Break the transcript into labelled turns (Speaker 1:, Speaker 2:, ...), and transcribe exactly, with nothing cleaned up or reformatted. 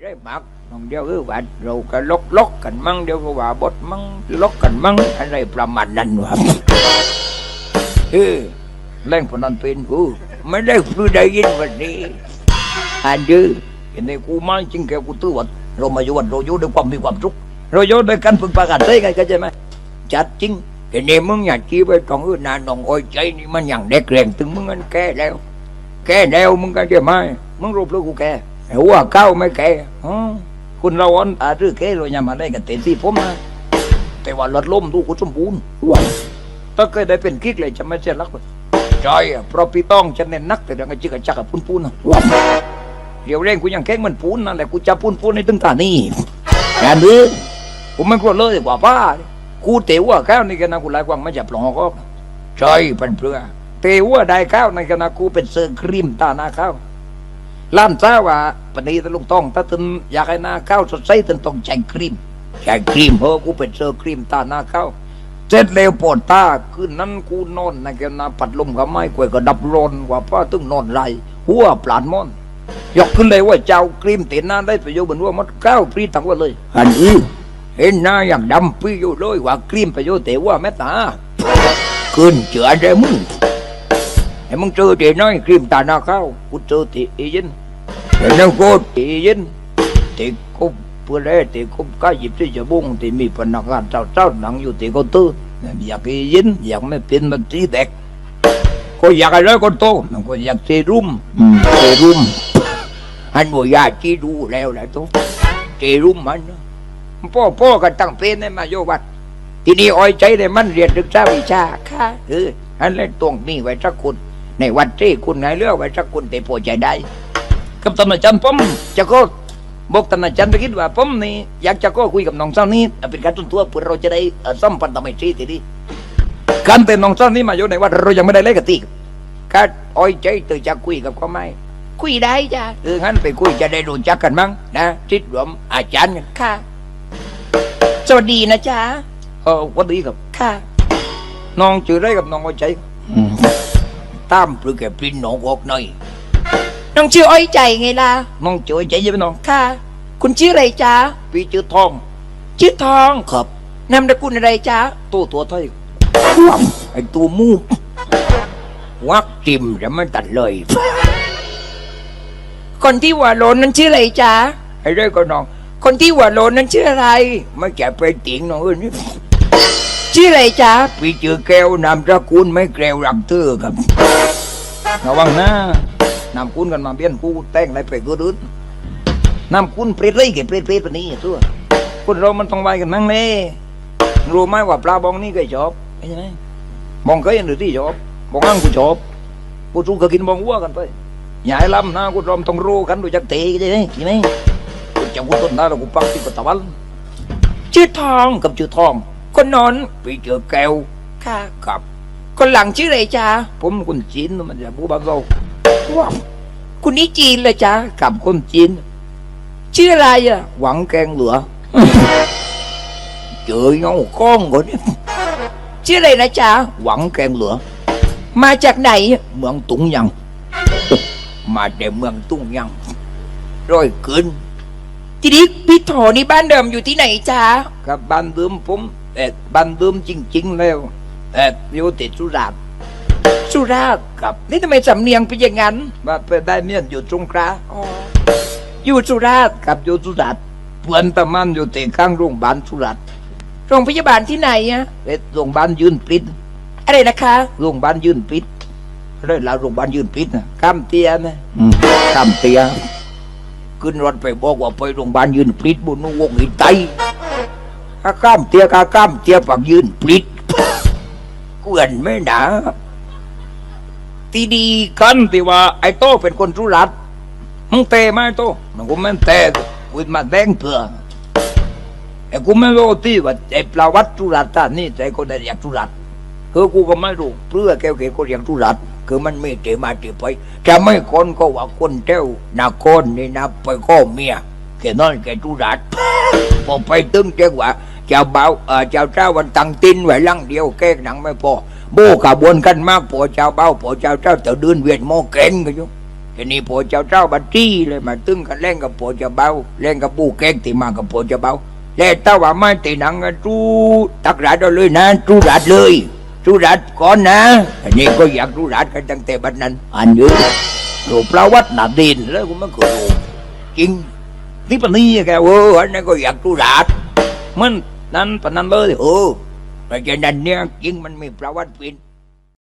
Speaker 1: ได้หมักน้องเดียวคือว่าเราก็ล็อกล็อกกันมั่งเดียวก็ว่าบดมั่งล็อกกันมั่งอะไรประมาณนั้นวะเออแรงพนันเป็นกูไม่ได้พูดได้ยินวันนี้อันยื้อเห็นในกูมาจริงแกกูตื้อวัดเรามาอยู่วัดเราอยู่ด้วยความมีความสุขเราอยู่ด้วยกันพึ่งพากันได้ไงก็ใช่ไหมจัดจริงเห็นในมึงอยากชี้ไปตรงอื่นนานน้องอ้อยใจนี่มันอย่างเด็กแรงถึงมึงมันแก่แล้วแก่แล้วมึงก็ใช่ไหมมึงรูปลูกกูแก่หัวเก้าไม่แก่อ๋อคุณเราอ่อนอารือแก่เราอย่ามาได้กันเต็มที่ผมนะแต่ว่าลดล้มดูกูสมบูรณ์ถ้าเคยได้เป็นกิ๊กเลยจะไม่เสียรักเลยใช่เพราะพี่ต้องฉันเน้นนักแต่เรื่องไอ้จิกจักกับปูนปูนนะเดี๋ยวเร่งกูยังแข็งเหมือนปูนนั่นแหละกูจะปูนปูนในตึงตานี่งานนี้กูไม่กลัวเลยกว่าป้ากูเตะว่าข้าวในกันนะกูไล่กวางไม่จับหลงก็ใช่เป็นเพื่อเตะว่าได้ข้าวในกันนะกูเป็นเซอร์ครีมตาหน้าข้าวล้านจ้าว่าปณีตะลุงต้องถ้าตึนอยากให้หน้าข้าวสดใสตึนต้องใช้ครีมใช้ครีมเฮ้อกูเป็นเซอร์ครีมตาหน้าข้าวเสร็จแล้วปวดตาคืนนั้นกูนอนในกันนะปัดลมกับไม้กวยก็ดับร้อนกว่าป้าตึงนอนไรหัวปลานมอนยกขึ้นเลยว่าเจ้าครีมเต็นหน้าได้ประโยชน์เหมือนว่ามันข้าวพรีทั้งวันเลยอันนี้เห็นหน้าอย่างดำพี่อยู่เลยว่าครีมประโยชน์แต่ว่าแม่ตาขึ้นเจือได้มึงไอ้มึงเจอเดี๋ยวน้อยครีมตาหน้าข้าวกูเจอตีอียินเดี๋ยวน้องกูตีอียินตีกูเพื่อได้ตีกูก็หยิบที่จะบุ้งตีมีพนักงานเจ้าเจ้าหนังอยู่ตีกูตื้ออยากอียินอยากไม่เป็นมันตีเด็กก็อยากอะไรก็โตมันก็อยากเซรุ่มเซรุ่มอันว่ายาจีดูแล้วแหละทุกเซรุ่มมันพ่อพ่อก็ตั้งเป็นให้มาโยวัดทีนี้อ้อยใจเลยมันเรียนศึกษาวิชาค่ะเอออันเล่นตรงนี้ไว้สักคนในวัดที่คุณไงเลือกไว้สักคนแต่พอใจได้กับตำนานจันผมจะก็บอกตำนานจันไปคิดว่าผมนี่อยากจะก็คุยกับน้องสาวนี้เป็นการต้นตัวเพื่อเราจะได้สัมพันธ์ทำให้ดีทีนี้การเป็นน้องสาวนี้มาโยในวัดเรายังไม่ได้เล่นกันตีการอ้อยใจตื่นจะคุยกับเขาไหมคุยได้จ้ะเอองั้นไปคุยจะได้รู้จักกันมั้งนะทิศรวมอาจารย์ค่ะสวัสดีนะจ๊ะเออสวัสดีครับค่ะน้องชื่ออะไรกับน้องอ้อยใจตามปลือแกปริ้นน้องออกหน่อยน้องชื่ออ้อยใจไงล่ะน้องชื่ออ้อยใจใช่ไหมน้องค่ะคุณชื่ออะไรจ๊ะพี่ชื่อทองชื่อทองครับนามสกุลอะไรจ๊ะตัวตัวไทยไอ้ตัวมูวักจิมจะไม่ตัดเลยคนที่หัวโลนนั้นชื่ออะไรจ๊ะไอ้เรื่องก็น้องคนที่หัวโลนนั้นชื่ออะไรไม่แก่ไปติ่งน้องเอ้ยนี่ชื่ออะไรจ๊ะพี่ชื่อแก้วนามสกุลไม่แก้วรักเธอครับระวังนะนามคุณกันมาเบี้ยนกูแต่งอะไรไปก็ดื้อนามคุณเปรตเลยเก็บเปรตเปรตปนี้ตัวคนเรามันต้องไว้กันมั่งเลยรู้ไหมว่าปลาบองนี่เคยชอบใช่ไหมบองเคยหรือที่ชอบบองอังกูชอบกูจูก็กินบองวัวกันไปอย่าให้ล้ำนะกูรอมต้องรู้กันดูจักเตะใช่ไหมใช่ไหมกูจะกูต้นได้แล้วกูปักที่ปตะวันชื่อทองกับชื่อทองคนนอนพี่เจอแก้วค่ะกับคนหลังชื่ออะไรจ๊ะผมคนจีนมันจะบูบังเราว้าวคุณนี่จีนเลยจ๊ะกับคนจีนชื่ออะไรอ่ะหวังแกงเหลือเจอเงาก้องคนนี้ชื่ออะไรนะจ๊ะหวังแกงเหลือมาจากไหนเมืองตุงยังมาจากเมืองตุงยังร้อยเกินทีนี้พี่โถนี่บ้านเดิมอยู่ที่ไหนจ๊ะกับบ้านเดิมผมแต่บ้านเดิมจริงๆแล้วแต่อยู่ติดสุราษฎร์สุราษฎร์กับนี่ทำไมสำเนียงเป็นอย่างนั้นมาเป็นได้เมียนอยู่สงขลาอ๋ออยู่สุราษฎร์กับอยู่สุราษฎร์เพื่อนตะมันอยู่ติดข้างโรงพยาบาลสุราษฎร์โรงพยาบาลที่ไหนอะเป็นโรงพยาบาลยืนปิดอะไรนะคะโรงพยาบาลยืนปิดเรื่องราวโรงพยาบาลยืนปิดนะข้ามเตียนะข้ามเตียขึ้นรถไปบอกว่าไปโรงพยาบาลยืนปิดบุญวงหินไตข้าข้ามเตียข้าข้ามเตียฝักยืนปิดกวนไม่หนาทีดีกันที่ว่าไอ้โตเป็นคนสุราษฎร์มึงเตะไหมโตมันกูไม่เตะกูมาแดงเถื่อไอ้กูไม่รู้ที่ว่าไอ้ปลาวัดสุราษฎร์นี่ใจคนได้อยากสุราษฎร์คือกูก็ไม่รู้เพื่อแก้วเกศคนอยากสุราษฎร์คือมันไม่เตะมาเตะไปจะไม่คนก็ว่าคนเจ้านาคนนี่นะไปก็เมียแค่นั้นแค่สุราษฎร์พอไปตึงเจ้าว่าเจ้าบ่าวเออเจ้าเจ้าวันตังตินไว้ลังเดียวแก้หนังไม่พอโบกบวนกันมากพอเจ้าเบ้าพอเจ้าเจ้าจะเดินเวียนโมเก่งกันอยู่ทีนี้ผัวเจ้าเจ้าบัตรี่เลยมาตึงกันเล่นกับผัวเจ้าเบาเล่นกับปูแกงที่มากับผัวเจ้าเบาแล้วถ้าว่าไม่ตีหนังกันจูตักรัดเอาเลยนะจูรัดเลยจูรัดก่อนนะอันนี้ก็อยากจูรัดกันตั้งแต่บัดนั้นอันเยอะโลประวัตินาดินแล้วกูไม่เคยรู้จริงนี่ปะนี่แกเอออันนี้ก็อยากจูรัดมันนั้นปะนั้นเลยเออเพราะฉะนั้นเนี่ยจริงมันมีประวัติเป็น